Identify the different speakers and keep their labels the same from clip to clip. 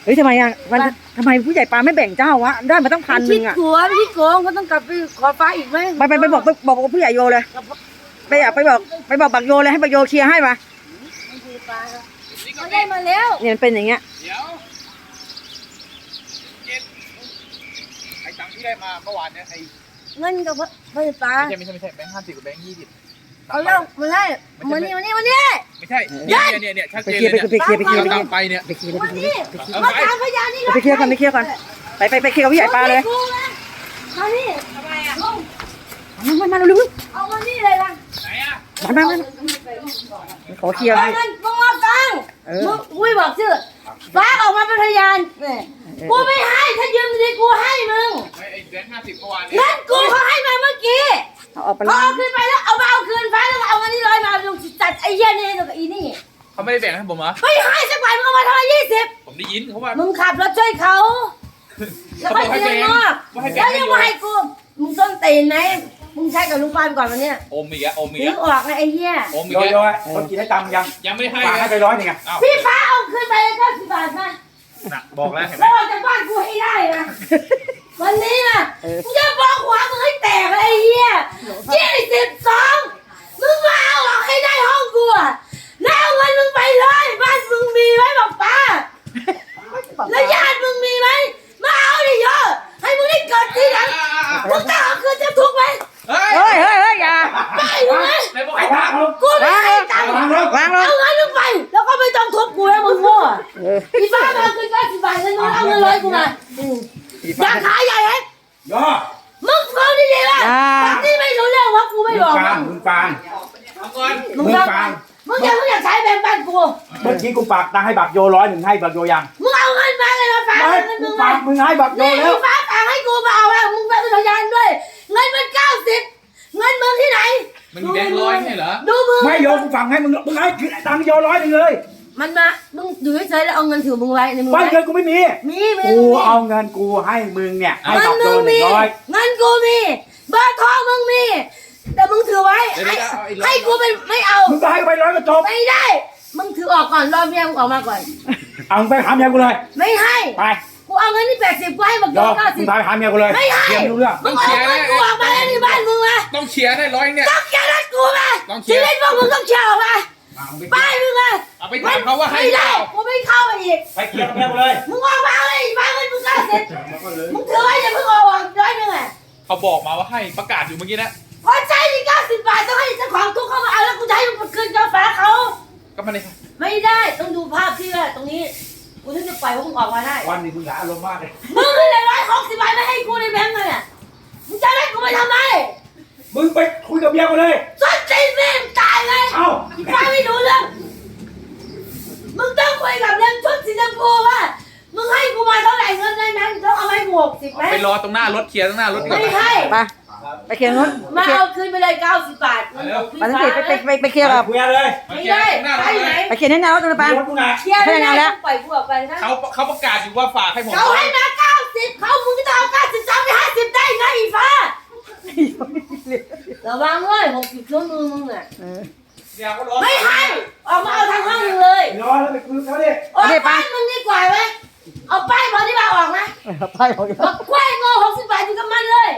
Speaker 1: ฮ้ยทำไมอ่ะมันทำไมผู้ใหญ่ปลาไม่แบ่งเจ้าวะได้มาตั้ง1,000อ่ะ
Speaker 2: พี่โกงก็ต้องกลับไปขอฟ้าอีกไหม
Speaker 1: ไปบอกผู้ใหญ่โยเลยไปบอกบักโยเลยให้บักโยเคลียร์ให้มา
Speaker 2: เขาได้มาแล้ว
Speaker 1: เนี่ยมันเป็นอย่างเงี้ย
Speaker 3: เดี๋ยวไอ้ตังค์ที่ได้มาเมื่อวานเนี่ยไอ้
Speaker 2: เงินกับไฟฟ้า
Speaker 3: ไม่ใช่แบงค์50กับแบงค์20
Speaker 2: เอาแล้วมาได้มานี่ไม่ใช่
Speaker 3: เนี่ยชัด
Speaker 1: ไป
Speaker 3: เจน
Speaker 1: เคลียร์
Speaker 3: เลย
Speaker 1: ไปเคลียร์
Speaker 3: ตังค์ไปเนี่ย
Speaker 1: ไปเคลียร์
Speaker 2: มานี่มาตามพยานนี่
Speaker 1: ไปเคลียร์ก่อนไปเคลียร์ก่อนไปเคลียร์กับผู้ใหญ่ปลาเลย
Speaker 2: มานี่ทำไมอ่ะ
Speaker 1: มาเร็ว
Speaker 2: เอามานี่เลยล่ะ
Speaker 3: ไหนอ่ะ
Speaker 1: มาขอเคลียร์ให้
Speaker 2: มันมึงมาตังมึงอุ้ยบอกชื่อฟ้าออกมาเป็นพยานเนี่ยกูไม่ให้ถ้ายืมดีกูให้มึง
Speaker 3: ไอ้แบงค์50เมื่อวานเนี่ย
Speaker 2: งั้นกูเขาให้มาเมื่อกี้
Speaker 1: เอาออกไป
Speaker 2: เขาเอาคืนไปแล้วเอามาเอาคืนฟ้าแล้วเอาเงินที่ร้อยมาลงจัดไอ้เหี้ยนี่กับอีนี่
Speaker 3: เขาไม่ได้แบ่งให้ผมเหรอ
Speaker 2: ไม่ให้สักบาทมึงเอามาเท่าไหร่20
Speaker 3: ผมได้ยินเขาว่า
Speaker 2: มึงขับรถช่วยเขาแล้วไปเตียงนอกแล้วยังมาให้กูมึงต้นตีนไหมมึงใช้กับลูกบ้านก่อนวันเนี้ย
Speaker 3: อมอีกแล้วอมอีก
Speaker 2: ถึ
Speaker 3: แล้
Speaker 2: ง
Speaker 3: ว
Speaker 2: ออกนะไอ้เหี้ย
Speaker 3: อมอีก
Speaker 4: โย
Speaker 3: แล้ว
Speaker 4: คนกินได้ตังค์ยัง
Speaker 3: ยังไม่ได้ให้
Speaker 4: ฝากให้ไป100นึงอ่ะ
Speaker 3: อ้าว
Speaker 2: พี่ฟ้าเอาคืนไปเลย90 บาทมา
Speaker 3: น่ะบอกแล้วเห็นไหม
Speaker 2: แล้วออกจากบ้านกูให้ได้นะวันนี้นะมึงจะบอกหัวมึงให้แตกเลยไอ้เหี้ย22มึงมาเอาออกให้ได้ห้องกูอะแล้วเอาเงินมึงไปเลยบ้านมึงมีไหมบอกป้าแล้วญาติมึงมีไหมมาเอาดิเยอะให้มึงได้เกิดทีหลังมึงต้องเอาคืนจะทุกข์ไหม
Speaker 3: เฮ้ย
Speaker 1: เฮ้ยอย่า
Speaker 2: ไม่รู้ไหม
Speaker 3: ไหนบอกให้ตังค์
Speaker 2: กูไม่ให้ตังค์
Speaker 1: วางลง
Speaker 2: เอาเงินมึงไปแล้วก็ไม่ต้องทุบกูแล้วมึงโง่พี่ฟ้ามาคืน90 บาทเงินมึงเอาเงิน100กูมาอยากขายใหญ่เอง
Speaker 4: โย
Speaker 2: มึงฟังดีๆว่าแบบนี้ไม่รู้เรื่องว่ากูไม่บอก
Speaker 4: มึงฟัง
Speaker 3: เอาก่อน
Speaker 2: มึงฟังมึงอยากใช้แบงค์บ้านกู
Speaker 4: เมื่อกี้กูฝากตังค์ให้บักโย100นึงให้บักโยยัง
Speaker 2: มึงเอาเงินมาเลยมาฝาก
Speaker 4: ไม่
Speaker 2: เงิน
Speaker 4: กู
Speaker 2: มึง
Speaker 4: ฝา
Speaker 2: มา
Speaker 4: กมึงให้บักโย
Speaker 2: นี่
Speaker 4: แล้ว
Speaker 2: พี่ฟ้าฝากให้กูมาเอาแล้วมึงเป็นพยานด้วยเงินมัน90เงินมึงที่ไหน
Speaker 3: มันแบงค์100ใช่เหรอ
Speaker 2: ดูมือ
Speaker 4: ไม่โยกูฝากให้มึงให้ตังค์โย100นึงเลย
Speaker 2: มันมามึงอยู่เฉยๆแล้วเอาเงินถือมึงไว้ในมือ
Speaker 4: บ้านเงินกูไม่มี
Speaker 2: มีมี
Speaker 4: กูเอาเงินกูให้มึงเนี่ยให้
Speaker 2: เงิน
Speaker 4: บักโย
Speaker 2: มึงมี
Speaker 4: 100
Speaker 2: เงินกูมีเบอร์โทรมึงมีแต่มึงถือไว้ให้กูเป็นไม่เอา
Speaker 4: มึงก็ให้ไป100ก็จบ
Speaker 2: ไม่ได้ มึงถือออกก่อนรอเมียมึงออกมาก่อน
Speaker 4: เอามึงไปหาเมียกูเลย
Speaker 2: ไม่ให้
Speaker 4: ไป
Speaker 2: กูเอาเงินที่80กูให้บัก
Speaker 4: โย
Speaker 2: โย
Speaker 4: มึงไปหาเมียกูเลย
Speaker 2: ไม่ให้
Speaker 4: เมียไม่รู้เรื่อง
Speaker 2: มึงเอาเงินกูออกมาแล้วที่บ้านมึงมา
Speaker 3: ต้องเชียร์ได้100เนี่ย
Speaker 2: ต้องเคลียร์รถกูมา
Speaker 3: ต้องเคลี
Speaker 2: ชี
Speaker 3: ยร์
Speaker 2: วิตพวกมึงต้องเคลียร์ออกมาไปมึงมา
Speaker 3: เอาไปถามเขาว่าให้
Speaker 2: ไม่
Speaker 3: เป
Speaker 2: ได้
Speaker 3: ล่า
Speaker 2: กูไม่เข้าไปอีก
Speaker 4: ไปเคลียร์กับเมียกูเลย
Speaker 2: มึงออกมาเลยอีกบ้านเงินมึง90มึงถือไว้อย่าเพิ่งออก100อ่ะ
Speaker 3: เขาบอกมาว่าให้ประกาศอยู่เมื่อกี้นะ
Speaker 2: พอใช้ที่90 บาทต้องให้เจ้าของทุกเข้ามาเอาแล้วกูจะให้มึงคืนกาแฟเขา
Speaker 3: ก็ไม่ได้
Speaker 2: ไม่ได้ต้องดูภาพที่ว่าตรงนี้กูถึงจะปล่อยพวกมึงออกมาได้
Speaker 4: วันนี้มึงอย่าอารมณ์มากเลย
Speaker 2: มึงเลย160 บาทไม่ให้กูในแบงค์เลยอ่ะมึงจะให้กูไปทำไม
Speaker 4: มึงไปคุยกับเมียกูเลย
Speaker 2: ส้นตีนแม่งตายเลย
Speaker 4: เอ้า
Speaker 2: อีฟ้าไม่รู้เรื่องมึงต้องคุยกับเรื่องชุดสีชมพูว่ามึงให้กูมาเท่าไหร่เงินในนั้นต้องเอาให้กู60ไหม
Speaker 3: ไปรอตรงหน้ารถเคลียร์ตรงหน้ารถดีก
Speaker 2: ไม่
Speaker 3: ว่า
Speaker 2: ให้
Speaker 1: ไปเคลียร์นู้น
Speaker 2: มาเอาคืนไปเลย90 บาท
Speaker 1: มาทั้งทีไปเคลียร์กับ
Speaker 4: คุยเลย
Speaker 2: ไม่ได้ไปไหน
Speaker 1: ไปเคลียร์แน่นอนตรงนั้นปะ
Speaker 4: รถกูนะ
Speaker 2: เคลียร์ไม่ได้ต้องปล่อยกูออกไปนะ
Speaker 3: เขาประกาศอยู่ว่าฝากให้ผม
Speaker 2: เขาให้มา90เขามึงจะเอา93ไป50ได้ไงอีฟ้าระวังเว้ย60ชั่วโมงมึงอ่ะ
Speaker 3: เดี๋ยวเขารอ
Speaker 2: ไม่ให้ออกมาเอาทางห้องมึงเลย
Speaker 4: รอแล้วไปคุยกับเขาดิ
Speaker 2: ออกบ้านมึงดีกว่าไหมเอาป้ายบอกที่มาออกนะ
Speaker 1: ไปของ
Speaker 2: บอกกล้วยโง่60 บาทอยู่กับมันเลย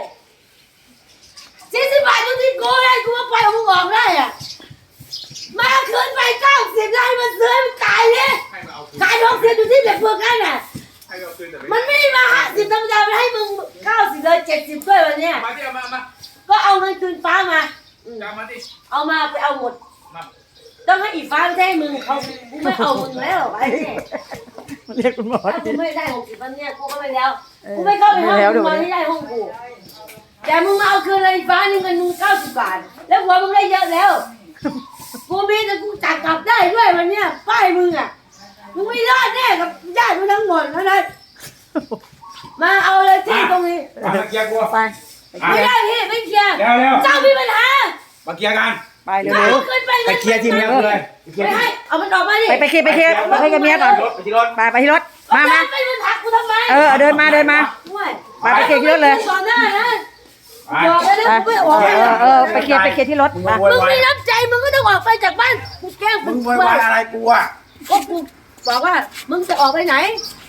Speaker 2: 40 บาทอยู่ที่กูเลยกูมาปล่อยเอามึงออกได้อ่ะมาเอาคืนไป90ได้มาซื้อมันตายเลย
Speaker 3: ให้มาเอาคืน
Speaker 2: ขาย60อยู่ที่แบบพวกนั้นน่ะ
Speaker 3: ให้มาเอาคืนแต่
Speaker 2: มันไม่ได้มา50ธรรมดามันให้มึง90เลย70ด้วยวันเนี้ย
Speaker 3: มาที่เอามา
Speaker 2: ก็เอาเงินคืนฟ้ามาอืม
Speaker 3: จะมาที่
Speaker 2: เอามาไปเอาหมด
Speaker 3: มา
Speaker 2: ต้องให้อีฟ้าไม่ให้มึงเขากูไม่เอามึงแล้วไอ้เนี่ย
Speaker 1: เรียกคุณหมอ
Speaker 2: ถ้ากูไม่ได้60วันเนี้ยกูก็ไม่แล้วกูไม่เข้าไปห้องมึงมาไม่ได้ห้องกูแต่มึงมาเอาคืนเลยอีฟ้านี่เงินมึง90 บาทแล้วหัวมึงได้เยอะแล้วกูมีแต่กูจัดกลับได้ด้วยวันเนี้ยป้ายมึงอ่ะมึงไม่รอดแน่กับญาติมึงทั้งหมดนะมาเอาเลยที่ตรงนี้
Speaker 4: มาเคลียร์กู
Speaker 1: ไป
Speaker 2: ไม่ได้พี่ไม่เคลียร์
Speaker 4: เร็ว
Speaker 2: เจ้ามีปัญหา
Speaker 4: มาเคลียร์กัน
Speaker 1: ไปเร็
Speaker 2: เอา
Speaker 1: ว
Speaker 2: ขึ้นไป
Speaker 4: ไปเคลียร์ที่เมียกูเลยเคลีย
Speaker 2: ไม่
Speaker 4: ร์
Speaker 2: ให้เอามันออกมาดิ
Speaker 1: ไปเคลียร์ไปกับเมียก่อน
Speaker 4: ไปที่รถ
Speaker 1: ไปที่รถมา
Speaker 2: ไปมึงทักกูทำไม
Speaker 1: เดินมา
Speaker 2: ด้วย
Speaker 1: ไปเคลียร์ที่รถเลย
Speaker 2: ก่อนหน้านะ
Speaker 4: ไป
Speaker 2: บอกแล้วนะกูไม่ออกไป
Speaker 1: ไปเคลียร์ที่รถ
Speaker 4: มึง
Speaker 1: มา
Speaker 4: โว
Speaker 2: มึ
Speaker 4: ย
Speaker 2: ง
Speaker 4: วาย
Speaker 2: ไม่รับใจมึงก็ต้องออกไปจากบ้านกูแกล้ง
Speaker 4: มึงโวยวายอะไรกูอ่ะ
Speaker 2: ก็กูบอกว่ามึงจะออกไปไหน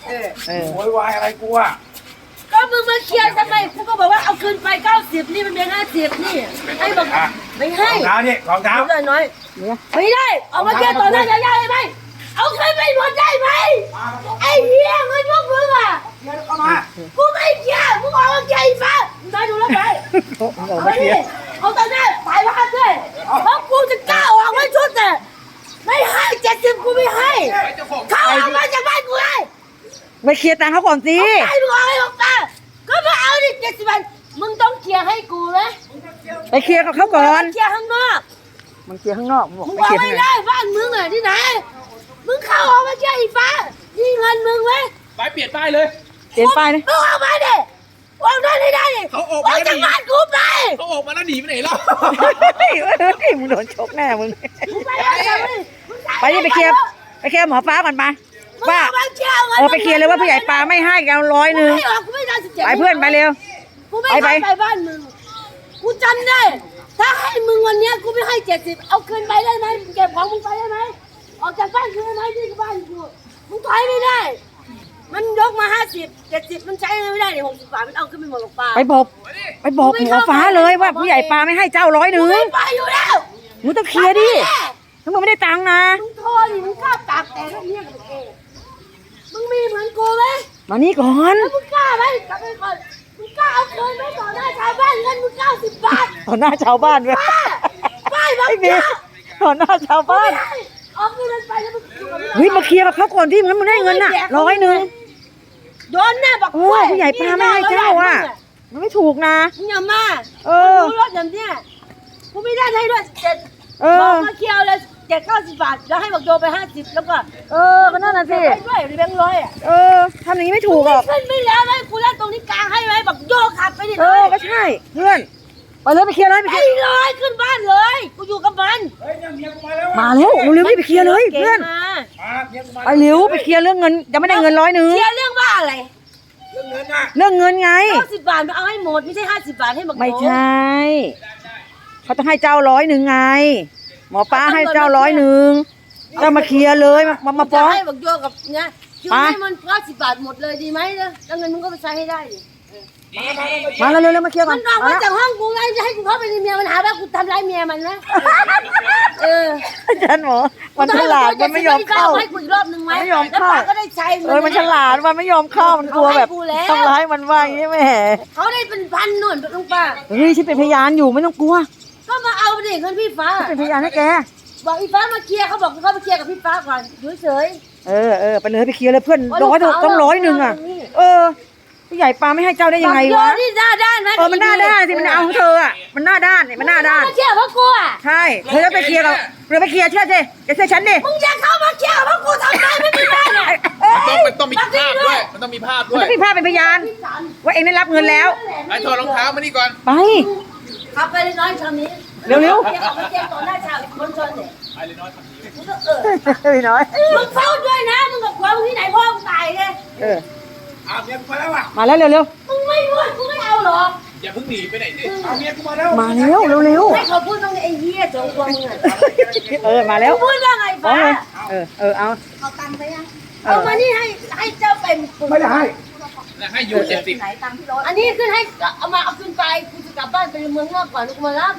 Speaker 4: โวยวายอะไรกูอ่ะ
Speaker 2: ก็มึงมาเคลียร์ทำไมกูก็บอกว่าเอาคืนไป90นี่มันเป็น50นี่ให้บอกไม่ให้
Speaker 4: รองเท้านี่รองเท้า
Speaker 2: น้อยไม่ได้เอามาเคลียร์ต่อหน้าญาติได้ไหมเอาคืนไปหมดได้ไหมไอ้เหี้ยเงินพวกมึงอ่ะ
Speaker 4: เดี๋ยวเข้ามา
Speaker 2: กูไม่เคลียร์มึงเอามาเคลียร์อีฟ้ามาดูแล้วไปเอาต่อหน้าถ่ายภาพด้วยเพราะกูจะกล้าออกไม่ชุดแต่ไม่ให้70กูไม่ให้เขาเอามาจากบ้านกูเลย
Speaker 1: ไปเคลียร์ตังค์เขาก่อนสิ
Speaker 2: ไอ้มึงเอาให้บอกตาก็มาเอาดิ70 บาทมึงต้องเคลียร์ให้กูนะ
Speaker 1: ไปเคลียร์กับเขาก่อน
Speaker 2: เคลียร์ข้างนอก
Speaker 1: มันเคลียร์ข้างนอกบอก
Speaker 2: มึง
Speaker 1: ไป
Speaker 2: บอก
Speaker 1: เคลียร์
Speaker 2: ไม่
Speaker 1: ข้างใน
Speaker 2: ได้บ้านมึงอ่ะที่ไหนมึงเข้าออกมาเคลียร์อีฟ้านี่เงินมึงไหม
Speaker 3: ไปเปลี่ยนป้ายเลย
Speaker 1: เปลี่ยนป้ายนะ
Speaker 2: มึงออกมาดิออกได้ไม่ได้ดิ
Speaker 3: เขาออก
Speaker 2: อ
Speaker 3: มา
Speaker 2: อก
Speaker 3: แล้ว
Speaker 2: จาก
Speaker 3: หนี
Speaker 2: บ้านกูไป
Speaker 3: เขาออกมาแล้วหนีไปไหนแล้ว
Speaker 1: มึงโดนชกแน่มึง
Speaker 2: มึงไปแล้วมึง
Speaker 1: ไปนี่ไปเคลียร์หมอฟ้าก่อนไป
Speaker 2: มึง
Speaker 1: ว่า
Speaker 2: เอามาเคลียร์งิน
Speaker 1: ไปเคลียร์เลยว่าผู้ใหญ่ปลาไม่ให้กัน100
Speaker 2: กูไม่ออกกูไม่ได้17
Speaker 1: ไปเพื่อนไปเร็ว
Speaker 2: กูไม่
Speaker 1: ไป
Speaker 2: ให้ไปบ้านมึงกูจำได้ ถ้าให้มึงวันเนี้ยกูไม่ให้70เอาคืนไปได้ไหมเก็บของมึงไปได้ไหมออกจากบ้านคืนได้ไหมที่บ้านกูมึงถอยไม่ได้ มันยกมา50 70มันใช้ไม่ได้เนี่ย60 บาทมันเอาขึ้นไปหมดหรอกปลา
Speaker 1: ไปบอกหมอฟ้าเลยว่าผู้ใหญ่ปลาไม่ให้เจ้า100
Speaker 2: กูไม่ไปอยู่แล้ว
Speaker 1: มึงต้องเคลียร์ดิถ้ามึงไม่ได้ตังค์นะ
Speaker 2: มึงโทรดิมึงกล้าตากแต่เรียกกับกูมึงมีเหมือนกูไหม
Speaker 1: มานี่ก่อน
Speaker 2: แล้วมึงกล้าไหมกลับไปก่อนมึงกล้าเอาคืนไหมต่อหน้าชาวบ้านเงินมึง90 บาท
Speaker 1: ต่อหน้าชาวบ้านด้วย
Speaker 2: ป้ายบัง
Speaker 1: ไอ้เม
Speaker 2: คั
Speaker 1: ย์
Speaker 2: บ
Speaker 1: ต่อหน้าชาว
Speaker 2: กู
Speaker 1: บ้าน
Speaker 2: ไม่ให้เอาเงินไปแล้วมึงอยู่กับ
Speaker 1: เฮ้ยมาเคลียร์กับเขาก่อนที่มึงได้เงินน่ะ100
Speaker 2: โดนแน่บอก
Speaker 1: โอ้ยผู้ใหญ่ปลาไม่ให้เจ้าอ่ะมันไม่ถูกนะ
Speaker 2: มึงอย่ามา
Speaker 1: เออ
Speaker 2: ดูรถอย่างเนี้ยกูไม่ได้ให้ด้วย
Speaker 1: เอ
Speaker 2: บอ
Speaker 1: อก
Speaker 2: มาเคลียร์เลย90 บาทแล้วให้บอกโยไป50แล้วก็
Speaker 1: ก็นั่นน่ะสิ
Speaker 2: ไปด้วยแบงค์ร้อยอ่ะ
Speaker 1: ทำอย่างนี้ไม่ถูกหรอก
Speaker 2: ขึ้นไม่แล้วเลยกูเล่นตรงนี้กลางให้ไหมบอกโยขับไปดิ
Speaker 1: ก็ใช่เพื่อนไปเลยไปเคลียร์เลยไป
Speaker 2: ไป
Speaker 1: เคลียร์
Speaker 2: เลยขึ้นบ้านเลยกูอยู่กับมัน
Speaker 3: เฮ้ยเนี่ยเมียกูมาแล้ว
Speaker 1: มาแล้วเร็วๆรีบไปเคลียร์เลยเพื่อน
Speaker 2: ก่งมา
Speaker 3: มาเมียกูมา
Speaker 1: ไปเร็วไปเคลียร์เรื่องเงินยังไม่ได้เงิน100
Speaker 2: เคลียร์เรื่องว่าอะไร
Speaker 3: เรื่องเงินน่ะ
Speaker 1: เรื่องเงินไง
Speaker 2: 90 บาทมันเอาให้หมดไม่ใช่50 บาทให้บอก
Speaker 1: ไม่ใช่เขาต้องให้เจ้า100ไง หมอป้าให้เจ้า100เจ้ามาเคลียร์เลยมาฟ้อง
Speaker 2: ให้บอกโยกับเนี่ยคือให้มัน90 บาทหมดเลยดีไหมนะแล้วเงินมึงก็ไปใช้ให้ได้ดิ
Speaker 1: มาเร็วๆมาเคลียร์ก่
Speaker 2: มั
Speaker 1: อน
Speaker 2: นออกมาจากห้องกูไงจะให้กูเข้าไปในเมียมันหาว่ากูทำร้ายเมียมันนะ
Speaker 1: อาจารย์หมอมันฉลาดมันไม่ยอมเข้า
Speaker 2: ให้กูอีกรอบนึงไหม
Speaker 1: ไม่ยอมเข้า
Speaker 2: แล้วป้าก็ได้ใช้เงิ
Speaker 1: มันฉลาดมันไม่ยอมเข้ามันกลัวแบบทำร้ายมันว่าอย่างนี้แหม
Speaker 2: เขาได้เป็นพันหน่นลุงป้า
Speaker 1: เฮ้ยฉันเป็นพยานอยู่ไม่ต้องกลัว
Speaker 2: ก็มาเอาดิเงินพี่ฟ้า
Speaker 1: เป็นพยานให้แก
Speaker 2: บอกอีฟ้ามาเคลียร์เขาบอกเขาไปเคลียร์กับพี่ฟ้าก่อนอยู่เฉย
Speaker 1: ไปเลยไปเคลียร์เลยเพื่อนต้อง100อ่ะผู้ใหญ่ปลาไม่ให้เจ้าได้ยังไงวะ
Speaker 2: นี่หน้าด้านนะ
Speaker 1: มันหน้าด้านสิมันเอาของเธออ่ะมันหน้าด้านมันหน้าด้าน
Speaker 2: มาเคลียร์เพราะกูอ่ะ
Speaker 1: ใช่เธอจะไปเคลียร์กับเรือไปเคลียร์เชื่อสิแกเชื่อฉันดิ
Speaker 2: มึงอย่าเข้ามาเคลียร์เพราะกูทำไมไม่มีบ้านอ่ะ
Speaker 3: มันต้องมีภาพด้วย มันต้องมีภาพ
Speaker 1: มัน
Speaker 3: ด้วย
Speaker 1: ต้องมีภาพเป็นพยานว่าเองได้รับเงินแล้ว
Speaker 3: ไอ้ถอดรองเท้ามานี่ก่อน
Speaker 1: ไป
Speaker 2: ขับไปเลยน้อยคำนี้
Speaker 1: เร็ว
Speaker 2: เอามาเคลียร์ต่อหน้าชาวมณฑลเนี่ย
Speaker 3: ไอ้เลยน้อยทำดี
Speaker 2: มึงก็
Speaker 1: พี่น้อย
Speaker 2: มึงเฝ้าด้วยนะมึงกับผัวมึงที่ไหนพ่อมึงตายไง
Speaker 3: อ้าวเมียกูมาแล้วอ่ะ
Speaker 1: มาแล้วเร็ว
Speaker 2: มึงไม่พูดกูไม่เอาหรอก
Speaker 3: อย่าเพิ่งหนีไปไหนสิเอาเมียกูมาแล้ว
Speaker 1: มาเร็ว
Speaker 2: ให้เขาพูดต้องไอ้เหี้ยโจงตัวมึงอ่ะ
Speaker 1: มาแล้ว
Speaker 2: พูดว่าไงฟ้า
Speaker 1: เอา
Speaker 2: เอาตังค์ไปยังเอามานี่ให้เจ้าเป็น
Speaker 1: ไม่ได้ให้
Speaker 3: ให้อยู่70
Speaker 2: ไหนตังค์ที่รถอันนี้ขึ้นให้เอาขึ้นไปกูจะกลับบ้านไปเมืองนอกก่อนกูมารับ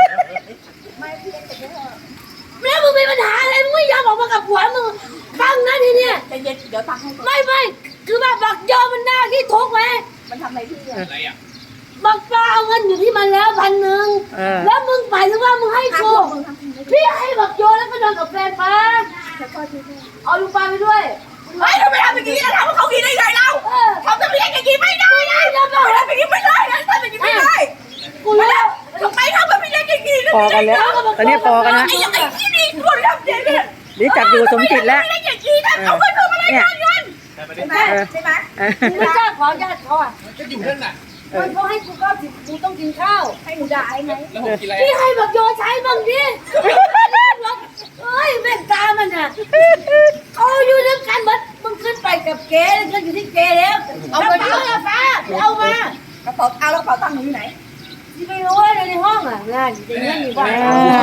Speaker 2: แม่มึงมีปัญหาอะไรมึงไม่ยอมออกมากับผัวมึงฟังนะทีเนี้ยใจเย็นเดี๋ยวตังค์ให้ไม่คือว่าบักยอมันหน้าที่ทุกข์ไหมมันทำอะไรพี่เนี่ย
Speaker 3: อะไรอ่ะ
Speaker 2: บักปลาเอาเงินอยู่ที่มันแล้ว1,000แล้วมึงหมายถึงว่ามึงให้กูพี่ให้บักโยแล้วก็นอนกับแฟนป้าเอาลูกปลาไปด้วยเฮ้ยทำไมทำอย่างนี้นะทำให้เขากินได้ไงเราทำแบบนี้อย่างนี้ไม่ได้นะทำแบบนี้ไม่ได้นะทำแบบนี้ไม่ได้กูแล้วทำไมทำแบบนี้อย่างนี้
Speaker 1: พอกันแล้วตอนนี้พอกันนะ
Speaker 2: ไอ้ที่นี่คนทำอย่างนี้
Speaker 1: นี่จับอยู่สมจิตแล้ว
Speaker 2: ไม่ได้อย่างนี้นะเอาไปทำอะไรกันใช่ไหมใช่ไหมไม่กล้าขอญาติเขาอ่ะ
Speaker 3: ก็อยู่นั่นน่ะ
Speaker 2: มันเขาให้กู90กูต้องกินข้าวให้หนูด่าไง
Speaker 3: แล้วผมกินอะไร
Speaker 2: พี่ให้แบบโยใช้บ้างดิเฮ้ยแม่ตามันอ่ะเขาอยู่ด้วยกันมึงขึ้นไปกับเก๋แล้วก็อยู่ที่เก๋แล้วเอาไปเอาละฟ้าเอามากระเป๋าเอาแล้วกระเป๋าตังค์อยู่ไหนที่ไม่รู้เลยในห้องอ่ะงานอยู่ในนี้อยู่บ้าน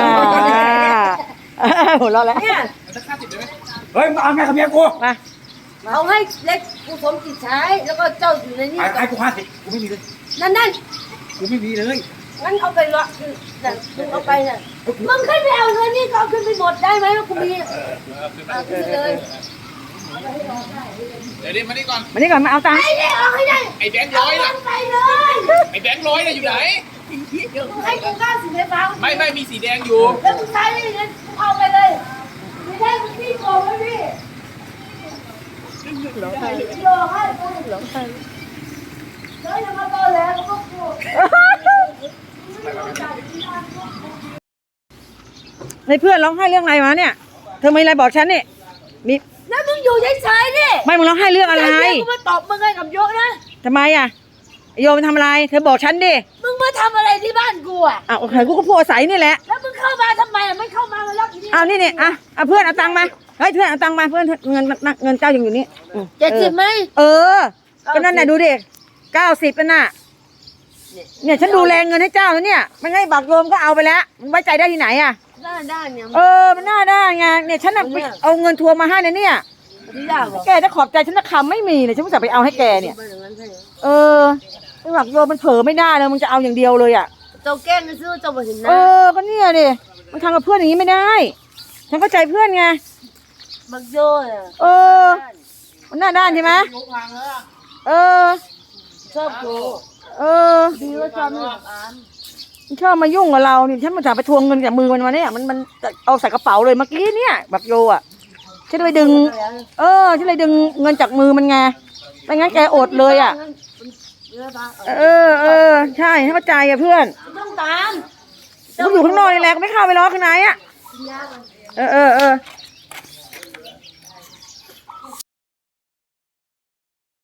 Speaker 1: หัวเราะแล้ว
Speaker 2: เนี่ย
Speaker 3: มันจะค่าติดได้ไหม
Speaker 4: เฮ้ยมาเอาไงกับเมียกู
Speaker 1: มา
Speaker 2: เอาให้เล็กกูสมจิตใช้แล้วก็เจ้าอยู่ในนี้
Speaker 4: ให้กู50กูไม่มีเลย
Speaker 2: นั่น
Speaker 4: กูไม่มีเลย
Speaker 2: งั้นเอาไปละคือแต่มึงเอาไปน่ะมึงขึ้นไปเอาเงินนี่ก็เอาขึ้นไปหมดได้ไหมว่ากูมีเอาขึ้นไปเลย
Speaker 3: เดี๋ยวดิมานี่ก่อน
Speaker 1: มานี่ก่อนมาเอาตังค์
Speaker 2: ไอ้เนี่ยเอาให้ได้
Speaker 3: ไอ้แบงค์
Speaker 2: เอา
Speaker 3: ร้อย
Speaker 2: เงิ
Speaker 3: น่ะ
Speaker 2: นไปเลย
Speaker 3: ไอ้แบงค์ร้อยน่ะอยู่ไหน
Speaker 2: มึงให้กู90ไฟฟ้า
Speaker 3: ไม่มีสีแดงอยู่
Speaker 2: แล้วมึงใช้ได้ยังไงมึงเอาไปเลยไม่ได้มึงพี่โกงไว้พี่โยให้แล้วอย่ามาตอแหลแล้วก็โกง
Speaker 1: ในเพื่อนร้องไห้เรื่องอะไรมาเนี่ยเธอมีอะไรบอกฉันนี่มี
Speaker 2: แล้วมึงอยู่เฉยๆดิ
Speaker 1: ไม่มึงร้องไห้เรื่องอะไร
Speaker 2: กูมาตอบมึงไงกับโยนะ
Speaker 1: ทำไมอ่ะโยมันทำอะไรเธอบอกฉันดิ
Speaker 2: มึงมาทำอะไรที่บ้านกูอ่ะ
Speaker 1: อ้าวโอเคกูก็พูดอาศัยนี่แหละ
Speaker 2: แล้วมึงเข้ามาทำไมอ่ะไม่เข้ามามาล็อกอีนี่
Speaker 1: เอานี่เนี่ยอ่ะเพื่อนเอาตังค์มาเฮ้ยเพื่อนเอาตังค์มาเพื่อนเงินเจ้ายังอยู่นี่อืม
Speaker 2: 70ไหม
Speaker 1: เออก็นั่นน่ะดูดิ90น่ะเนี่ยฉันดูแลเงินให้เจ้าแล้วเนี่ยไม่ให้บักโยมก็เอาไปแล้วมันไว้ใจได้ที่ไหนอ่ะ
Speaker 2: ได้เนี่ย
Speaker 1: เออมันน่าได้ไงเนี่ยฉันน่ะไปเอาเงินทัวร์มาให้นะเนี่ย
Speaker 2: ที่ได้บอก
Speaker 1: แกจะขอบใจฉันนะคำไม่มีเลยฉันอุตส่าห์ไปเอาให้แกเนี่ย
Speaker 2: ไปอย่างนั้นใช่ไหม
Speaker 1: เออไอ้บักโยมมันเผลอไม่ได้เลยมึงจะเอาอย่างเดียวเลยอ่ะ
Speaker 2: เจ้าแกล้งซื้อเจ้าบ่เห็นห
Speaker 1: เอ
Speaker 2: น้า
Speaker 1: อก็เนี่ยดิมันทำกับเพื่อนอย่างนี้ไม่ได้ ฉันเข้าใจเพื่อนไง
Speaker 2: บักโยน่ะ
Speaker 1: เออ มันหน้าด้านใช่ไหมเออ
Speaker 2: ชอบกู
Speaker 1: เออ
Speaker 2: ดีว่าชอบไม่กับอาม
Speaker 1: มันชอบมายุ่งกับเรานี่ฉันมาจากไปทวงเงินจากมือมันมาเนี่ยมันเอาใส่กระเป๋าเลยเมื่อกี้เนี่ยบักโยอ่ะฉันเลยดึง ฉันเลยดึงเงินจากมือมันไงไม่งั้นแกอดเลยอ่ะ ใช่ให้เข้าใจอ่ะเพื่อน
Speaker 2: ต้องตาม
Speaker 1: กูอยู่ข้างนอกนี่แหละกูไม่เข้าไปล้อข้างในอ่ะ
Speaker 2: กินยามัน
Speaker 1: เออ